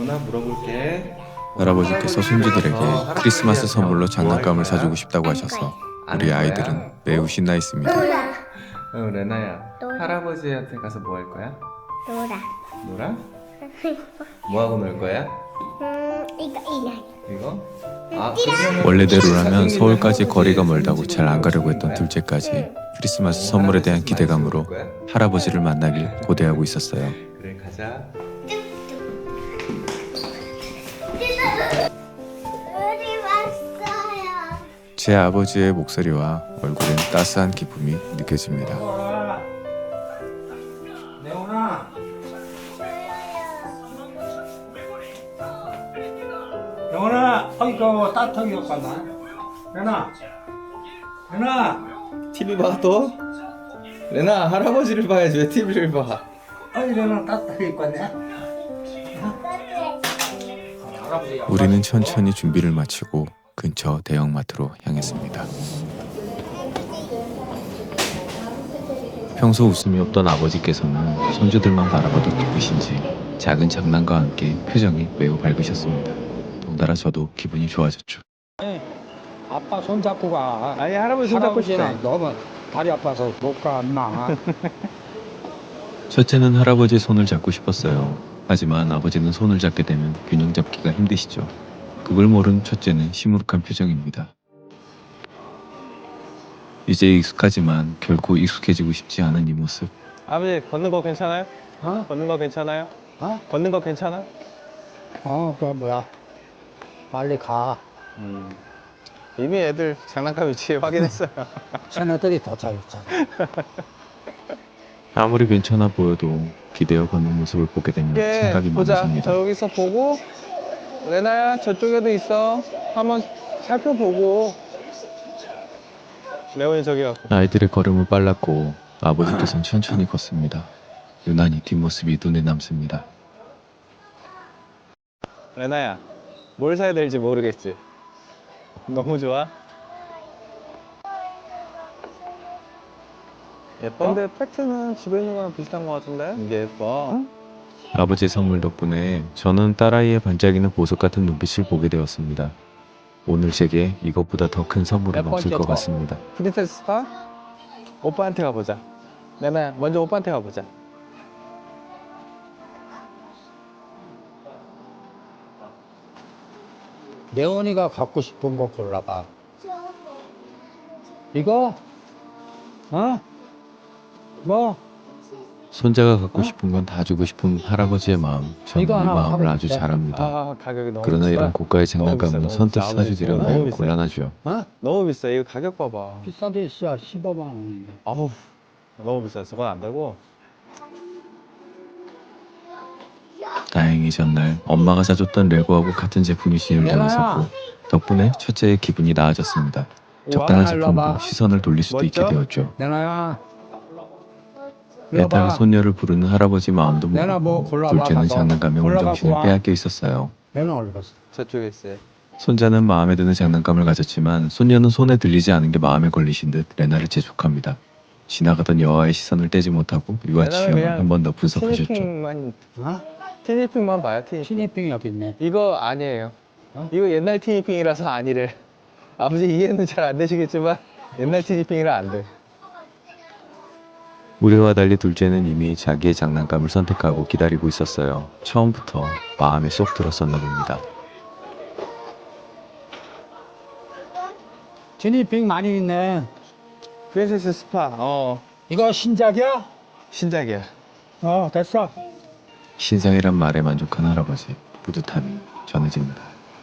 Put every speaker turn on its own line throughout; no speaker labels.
대원아 물어볼게.
할아버지께서 손주들에게 크리스마스 선물로 장난감을 사주고 싶다고 하셔서 우리 아이들은 매우 신나 있습니다.
레나야,
놀아.
할아버지한테 가서 뭐 할 거야?
놀아.
놀아? 뭐 하고 놀 거야?
이거.
이거? 그러면은
원래대로라면
사진기는
서울까지 거리가
할아버지의
멀다고 잘 안 가려고 했던
거야?
둘째까지 크리스마스 선물에 대한 기대감으로 할아버지를 만나길 고대하고 있었어요.
그래 가자.
우리 왔어요.
제 아버지의 목소리와 얼굴엔 따스한 기쁨이 느껴집니다.
레오나, 레오나, 이거 따뜻하게 갔나? 레나,
TV 봐 또? 레나 할아버지를 봐야지 왜 TV를 봐?
레나 따뜻하게 갔네. 할아버지야.
우리는 천천히 준비를 마치고 근처 대형마트로 향했습니다. 평소 웃음이 없던 아버지께서는 손주들만 바라봐도 기쁘신지 작은 장난과 함께 표정이 매우 밝으셨습니다. 덩달아 저도 기분이 좋아졌죠.
아빠 손 잡고 가.
아니 할아버지 손 잡고 싶다.
할아버지는 너무 다리 아파서 못 가, 엄마.
첫째는 할아버지의 손을 잡고 싶었어요. 하지만 아버지는 손을 잡게 되면 균형 잡기가 힘드시죠. 그걸 모른 첫째는 시무룩한 표정입니다. 이제 익숙하지만 결코 익숙해지고 싶지 않은 이 모습.
아버지 걷는 거 괜찮아요?
어?
걷는 거 괜찮아요?
어?
걷는 거 괜찮아?
그거 뭐야? 빨리 가.
이미 애들 장난감 위치 확인했어요.
쟤네들이 더 잘했잖아.
아무리 괜찮아 보여도 기대어 걷는 모습을 보게 되면
이게
생각이
보자.
많아집니다.
저 여기서 보고 레나야 저쪽에도 있어. 한번 살펴보고. 레온이 저기 갖고.
아이들의 걸음은 빨랐고 아버지께서는 천천히 걷습니다. 유난히 뒷모습이 눈에 남습니다.
레나야 뭘 사야 될지 모르겠지. 너무 좋아. 예뻐? 근데 팩트는 집에 있는 거랑 비슷한 거 같은데? 이게 예뻐.
아버지의 선물 덕분에 저는 딸아이의 반짝이는 보석 같은 눈빛을 보게 되었습니다. 오늘 제게 이것보다 더 큰 선물은
몇
없을
번째
것
거?
같습니다.
프린세스 스파? 오빠한테 가보자. 레나야 먼저 오빠한테 가보자.
레온이가 갖고 싶은 거 골라봐. 이거? 뭐?
손자가 갖고 싶은 건 다 주고 싶은 할아버지의 마음, 저는 이
이거 하나
마음을
하고
아주
싶다.
잘 압니다.
아 가격이 너무
그러나
비싸.
이런 고가의 장난감은
너무
선뜻
비싸.
사주기란
너무
매우
비싸.
곤란하죠.
너무 비싸. 이거 가격 봐봐.
비싼 데 있어. 15만 원인데.
아우 너무 비싸. 저건 안 되고.
다행히 전날 엄마가 사줬던 레고하고 같은 제품이 진열되어서 덕분에 첫째의 기분이 나아졌습니다. 적당한
일로
제품으로
와봐.
시선을 돌릴 수도 있게
멋져?
되었죠.
레나야.
애타게 손녀를 부르는 할아버지 마음도
내가 뭐
모르고
골라봐,
둘째는
가서.
장난감에 온
골라갖고
정신을
와.
빼앗겨 있었어요.
레나 어디 갔어?
저쪽에 있어요.
손자는 마음에 드는 장난감을 가졌지만 손녀는 손에 들리지 않은 게 마음에 걸리신 듯 레나를 재촉합니다. 지나가던 여아의 시선을 떼지 못하고 유아
레나는
취향을
그냥
한 번 더 분석하셨죠.
티니핑만
어?
티니핑만 봐요. 티니핑.
신입병이 여기 있네.
이거 아니에요.
어?
이거 옛날 티니핑이라서 아니래. 아버지 이해는 잘 안 되시겠지만 옛날 티니핑이라 안 돼.
우리와 달리 둘째는 이미 자기의 장난감을 선택하고 기다리고 있었어요. 처음부터 마음에 쏙 들었었나 봅니다.
신입병 많이 있네.
프린세스 스파.
이거 신작이야?
신작이야.
됐어.
신상이란 말에 만족한 할아버지, 뿌듯함이 전해집니다.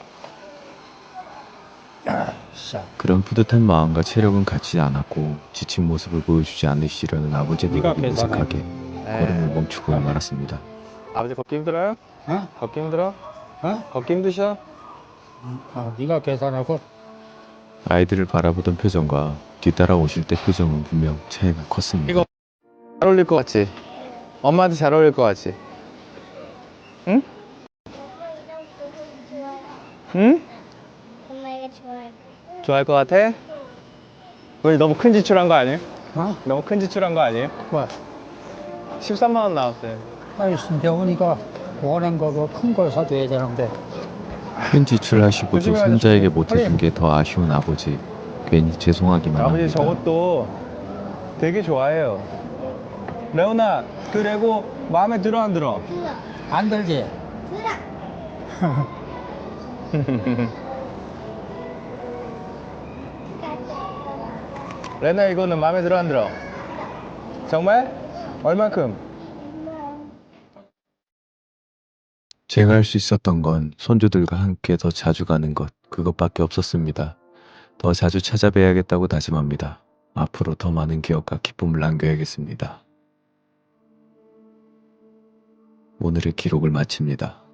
자,
그런 뿌듯한 마음과 체력은 같지 않았고 지친 모습을 보여주지 않으시려는 아버지의
네가
노력이
계산해.
무색하게 걸음을 멈추고 말았습니다.
아버지 걷기 힘들어요?
어?
걷기 힘들어?
어?
걷기 힘드셔?
네가 계산하고.
아이들을 바라보던 표정과 뒤따라 오실 때 표정은 분명 차이가 컸습니다.
이거 잘 어울릴 것 같지? 엄마한테 잘 어울릴 것 같지? 응? 응?
엄마가 좋아할
좋아할 것 같아? 우리 너무 큰 지출한 거 아니에요?
어?
너무 큰 지출한 거 아니에요?
뭐?
13만 원 나왔어요.
아이, 신병훈이가 원한 거 큰 걸 사줘야 되는데.
큰 지출하시고도
조심히 가자,
손자에게
조심히.
못해준 게 더 아쉬운 아버지. 괜히 죄송하기만
아버지
합니다.
저것도 되게 좋아해요. 레오나, 그 레고 마음에 들어 안 들어?
안 들지?
레나 이거는 마음에 들어 안 들어? 정말? 얼만큼?
제가 할 수 있었던 건 손주들과 함께 더 자주 가는 것, 그것밖에 없었습니다. 더 자주 찾아뵈야겠다고 다짐합니다. 앞으로 더 많은 기억과 기쁨을 남겨야겠습니다. 오늘의 기록을 마칩니다.